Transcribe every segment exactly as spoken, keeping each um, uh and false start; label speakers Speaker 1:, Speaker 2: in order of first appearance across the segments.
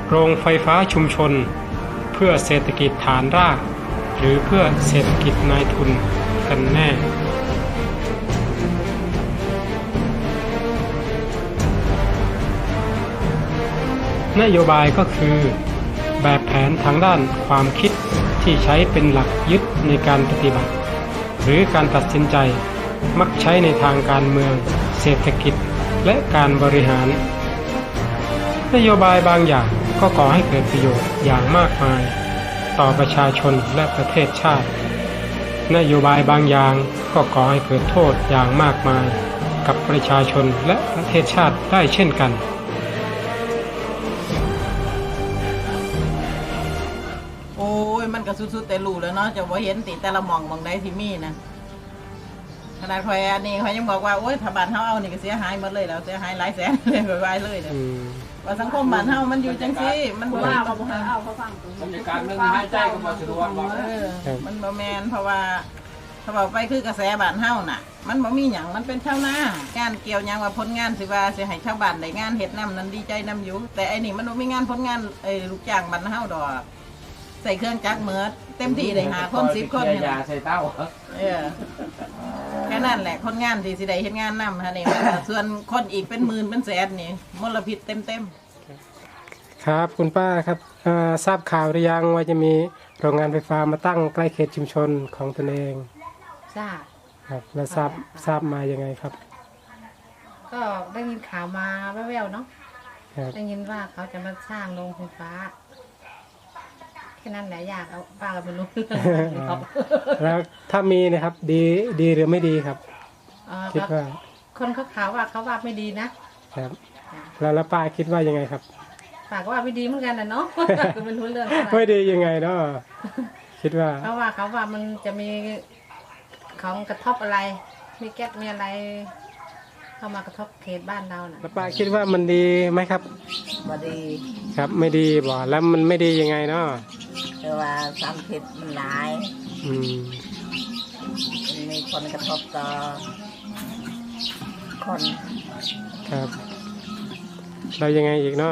Speaker 1: โรงไฟฟ้าชุมชนเพื่อเศรษฐกิจฐานรากหรือเพื่อเศรษฐกิจนายทุนกันแน่นโยบายก็คือแบบแผนทางด้านความคิดที่ใช้เป็นหลักยึดในการปฏิบัติหรือการตัดสินใจมักใช้ในทางการเมืองเศรษฐกิจและการบริหารนโยบายบางอย่างก็ก่อให้เกิดประโยชน์อย่างมากมายต่อประชาชนและประเทศชาตินโยบายบางอย่างก็ก่อให้เกิดโทษอย่างมากมายกับประชาชนและประเทศชาติได้เช่นกัน
Speaker 2: โอ้ยมันก็สุดๆแต่รู้แล้วเนาะจะว่าเห็นติแต่ละหม่องหม่องใดที่มีนะขนาดคอยอันนี้เขายังบอกว่าโอ้ยถ้าบ้านเฮาเอานี่ก็เสียหายหมดเลยแล้วเสียหายหลายแสนเลยไปไว้เลยเนี่ยว่าสังคมบ้านเฮามันอยู่จังซี่มันบ่ว่าบ่เอาเขาฟังบรรยากาศนึงหายใจก็บ่สะดวกบ่เออมันบ่แม่นเพราะว่าถ้าบอกไปคือกระแสบ้านเฮาน่ะมันบ่มีหยังมันเป็นชาวนาการเกี่ยวหยังว่าผลงานสิว่าสิให้ชาวบ้านได้งานเฮ็ดนำนั้นดีใจนำอยู่แต่ไอ้นี่มันบ่มีงานผลงานเอ้ลูกจ้างบ้านเฮาดอกใส่เครื่องจักรเหมือเต็มที่ได้หาคนสิบคนเนี่ยใส่เต้าเออแค่นั้นแหละคนงานที่สิได้เฮ็ดงานนำฮะนี่ส่วนคนอีกเป็นหมื่นเป็นแสนนี่มลพิษเต็มๆ
Speaker 1: ครับคุณป้าครับทราบข่าวหรือยังว่าจะมีโรงงานไฟฟ้ามาตั้งใกล้เขตชุมชนของตนเอง
Speaker 3: ทราบ
Speaker 1: ครับแล้วทราบทราบมายังไงครับ
Speaker 3: ก็ได้ยินข่าวมาแว่วๆเนาะได้ยินว่าเขาจะมาสร้างโรงไฟฟ้าแค่นั้นแหละอยากเอาป้าก็ไม่รู้เรื่องครับ
Speaker 1: แล้วถ้ามีนะครับดีดีหรือไม่ดีครับคิดว่า
Speaker 3: คนเขาข่าวว่าเขาว่าไม่ดีนะครับ
Speaker 1: แล้วแล้วป้าคิดว่ายังไงครับ
Speaker 3: ป้าก็ว่าไม่ดีเหมือนกันนะเนาะก็ไม่รู้เรื่อง
Speaker 1: ไม่ดียังไงเนาะคิดว่า
Speaker 3: เขาว่าเขาว่ามันจะมีของกระทบอะไรมีแก๊สมีอะไรเข้ามากระทบเขตบ้านเราน่ะ
Speaker 1: แล้วป้าคิดว่ามันดีไหมครับ
Speaker 2: ไม่ดี
Speaker 1: ครับไม่ดีบ่แล้วมันไม่ดียังไงเนาะ
Speaker 2: คือว่าสารพิษมันหลาย
Speaker 1: อืม
Speaker 2: มีคนกระทบต่อคน
Speaker 1: ครับเรายังไงอีกเนาะ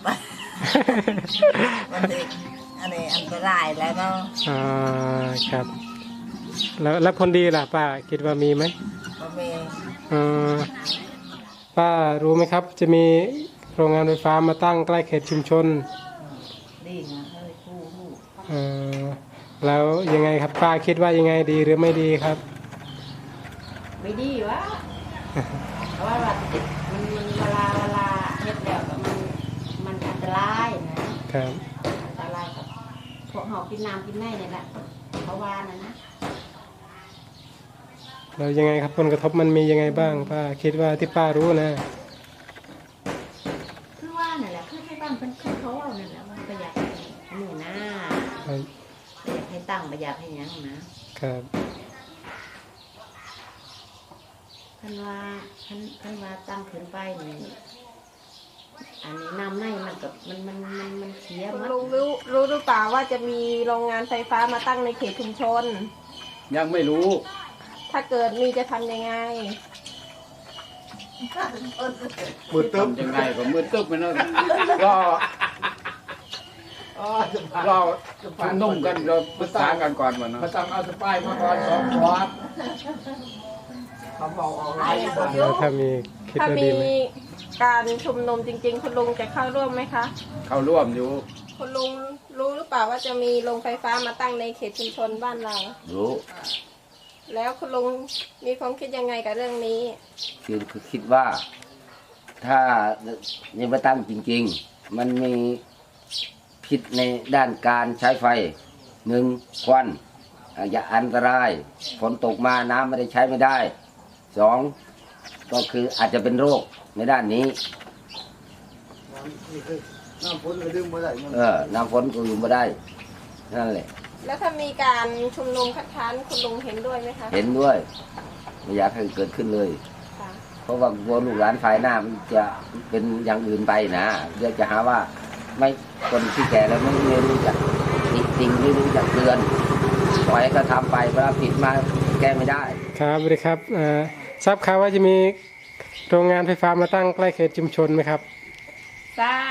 Speaker 2: มันดีอันนี้อันตรายแล้วเนาะ
Speaker 1: อ่าครับแล้วแล้วคนดีล่ะป้าคิดว่ามีไหม
Speaker 2: ก็มี
Speaker 1: อ่าป้ารู้ไหมครับจะมีโรงงานไฟฟ้ามาตั้งใกล้เขตชุมชน
Speaker 2: ดีนะเฮ้ยคู่คู่
Speaker 1: อ่าแล้วยังไงครับป้าคิดว่ายังไงดีหรือไม่ดีครับ
Speaker 3: ไม่ดีวะเพราะว่ามันมันเวลาเวลาเฮ็ดแล้วมันมันอันตรายนะครับอันตรายกับพวกหอบกินน้ำกินแม่เนี่ยแหละเพราะว่านะนะ
Speaker 1: แล้วยังไงครับผลกระทบมันมียังไงบ้างป้าคิดว่าที่ป้ารู้นะ
Speaker 3: คือว่าเนี่ยแหละคือให้บ้านเป็นคือเขาเอาเนี่ยแหละมันประหยัดหนูนะประหยัดให้ตั้งประหยัดให้ยังนะครับท่านว่าท่านท่านว่าตั้งขึ้นไปนี่อันนี้น้ำในมันกับมันมันมันมันเสียมัน
Speaker 4: รู้รู้รู้หรือเปล่าว่าจะมีโรงงานไฟฟ้ามาตั้งในเขตชุมชน
Speaker 5: ยังไม่รู้
Speaker 4: ถ้าเกิดมีจะทำยังไง
Speaker 5: มือตึ๊บยังไงก็มือตึ๊บไปนั่นก็เราชุมนุมกันเราประสานกันก่อนมันนะมาตั้งเอาสปายมาก่อนสองคอร์ส
Speaker 4: เขาบอกออนไลน์
Speaker 1: ถ้ามี
Speaker 4: ถ้ามีการชุมนุมจริงๆคุณลุงจะเข้าร่วมไหมคะ
Speaker 5: เข้าร่วมอยู่
Speaker 4: คุณลุงรู้หรือเปล่าว่าจะมีโรงไฟฟ้ามาตั้งในเขตชุมชนบ้านเรา
Speaker 5: รู้
Speaker 4: แล้วคุณลุงมีความคิดยังไงกับเรื่องนี้
Speaker 5: คือคือคิดว่าถ้ายังมาตั้งจริงๆมันมีพิษในด้านการใช้ไฟหนึ่งควันอย่าอันตรายฝนตกมาน้ำไม่ได้ใช้ไม่ได้สองก็คืออาจจะเป็นโรคในด้านนี้
Speaker 6: น้ำฝนก็ดึงไม่ได้
Speaker 5: เออน้ำฝนก็อยู่ไม่ได้นั่นแหละ
Speaker 4: แล้วถ้ามีการชุมนุมคัดค้านคุณลุงเห็นด้วยไหมคะ
Speaker 5: เห็นด้วยไม่อยากให้เกิดขึ้นเลยเพราะว่าวัวลูกหลานภายหน้ามันจะเป็นอย่างอื่นไปนะเดี๋ยวจะหาว่าไม่คนที่แก่แล้วไม่รู้จักจริงไม่รู้จักเตือนปล่อยก็ทำไปเวลาผิดมาแก้ไม่ได้
Speaker 1: ครับสวัสดีครับทราบข่าวว่าจะมีโรงงานไฟฟ้ามาตั้งใกล้เขตชุมชนไหมครับ
Speaker 4: ทราบ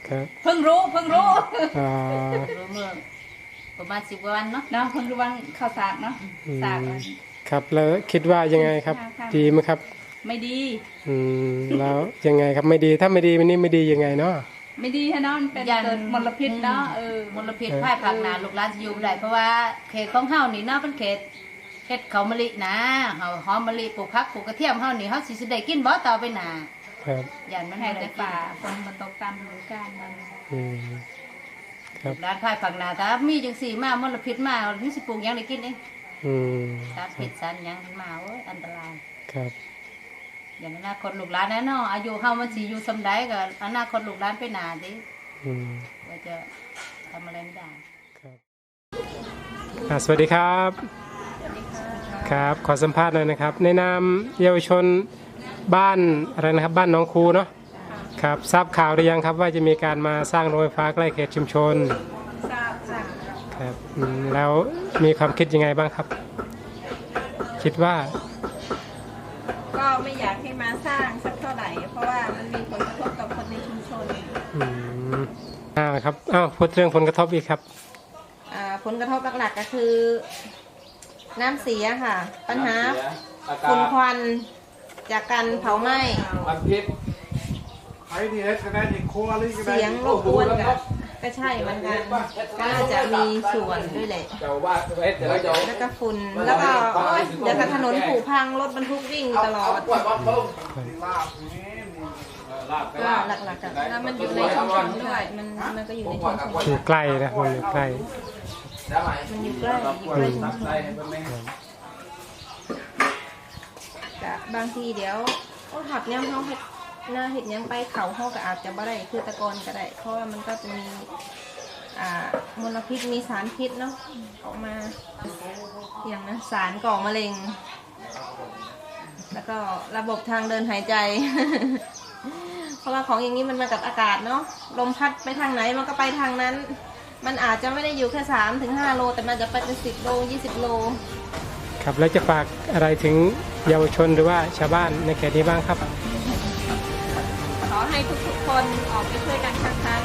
Speaker 1: ครับ
Speaker 3: เพิ่งรู้เพิ่งรู้
Speaker 1: อ่า
Speaker 3: รู้เมื่อประมาณสิบวันเนาะ
Speaker 7: เนาะเพิ่งรู้ว่าข้าวสากเนาะ
Speaker 1: อืม
Speaker 7: สาก
Speaker 1: ครับแล้วคิดว่ายังไงครับ
Speaker 7: ค่ะ
Speaker 1: ดีไหมครับ
Speaker 7: ไม่ดี
Speaker 1: อืมแล้วยังไงครับไม่ดีถ้าไม่ดีมันนี่ไม่ดียังไงเนาะ
Speaker 7: ไม่ดีฮะเนาะมันเป็นเกิดมลพิษเนาะเออ
Speaker 3: มลพิษภายภาคหนาลูกหลานสิอยู่บ่ได้เพราะว่าเขตของเฮานี่เนาะเป็นเขตเขตเขามะลินะเฮาหอมมะลิปลูกผักปลูกกระเทียมเฮานี่เฮาสิสิได้กินบ่ต่อไปหน้า
Speaker 1: ครับ
Speaker 3: ย่านมัน
Speaker 7: แห้
Speaker 3: บ่
Speaker 7: แต่
Speaker 3: ได้กิน
Speaker 7: ป่าฝนมันตกตามฤดูกาลมัน
Speaker 1: อืมครับ
Speaker 3: ร้านภายภาคหนาถ้ามีจังซี่มามลพิษมามันสิปลูกหยังได้กินเด้
Speaker 1: อืม
Speaker 3: สารพิษสารหยังมาโอ้ยอันตราย
Speaker 1: ครับ
Speaker 3: อย่างอนาคตลูกหลานแน่เนาะอายุเฮามันสิอยู่สำใดก็อนาคตลูกหลานไปหน้าติ
Speaker 1: อืม
Speaker 3: ว่าจะทำอะไรไม่ได้
Speaker 1: ครับอ่าสวัสดีครับ ครับขอสัมภาษณ์หน่อยนะครับ ในนามเยาวชนบ้านอะไรนะครับบ้านหน้องคูเนาะครับทราบข่าวหรือยังครับว่าจะมีการมาสร้างโรงไฟฟ้าใกล้เขตชุมชน
Speaker 4: ทราบค่ะ
Speaker 1: ครับอืมแล้วมีความคิดยังไงบ้างครับ คิดว่า
Speaker 4: ก็ไม่อยากให้มาสร้างสักเท่าไหร่ เพราะว่ามันมีผลกระทบกับคนในชุมชน
Speaker 1: อืมอ่าครับอ้าวพูดเรื่องผลกระทบอีกครับ
Speaker 4: อ่าผลกระทบหลักๆก็คือ น้ำเสียค่ะ ปัญหาฝุ่นควันจากการเผาไหม้
Speaker 5: ความคิด
Speaker 6: ใครที่เฮ็ดก็ได้ที่ครัวหรือก็ได้
Speaker 4: เสียงรบกวนกับก็ใช่เหมือนกันก็น่าจะมีส่วนด้วยแหละ
Speaker 5: เจ้าว่าเฮ็ดเดี๋ยวเจ้า
Speaker 4: แล้วก็ฝุ่นแล้วก็โอ๊ยเดี๋ยวกับถนนผุพังรถบรรทุกวิ่งตลอด
Speaker 5: ปวดว่าเพิ่ม
Speaker 6: ลาบนี่นี่
Speaker 5: ลาบ
Speaker 4: ก็หลักๆอะแล้วมันอยู่ในชุมชนด้วยมันมันก็อยู่ในชุมชน
Speaker 1: อยู่ใกล้นะมันอยู่ใกล้
Speaker 4: มันอยู่ใกล้อยู่ใกล้ชุมชนกะบางทีเดี๋ยวโอ้หักย่ำเขาเห็ดหน้าเห็ดหยังไปเขาเขาก็อาจจะบ่ได้คือตะกอนก็ได้ เพราะว่ามันก็จะมีอ่ามลพิษมีสารพิษเนาะออกมาอย่างนะสารก่อมะเร็ง แล้วก็ระบบทางเดินหายใจ เพราะว่าของอย่างนี้มันมากับอากาศเนาะลมพัดไปทางไหนมันก็ไปทางนั้น มันอาจจะไม่ได้อยู่แค่สามถึงห้าโลแต่มันจะไปเป็นสิบโลยี่สิบโล
Speaker 1: ครับแล้วจะฝากอะไรถึงเยาวชนหรือว่าชาวบ้านในเขตนี้บ้างครับ
Speaker 4: ขอให้ทุกๆคนออกไปช่วยกันคัดค้าน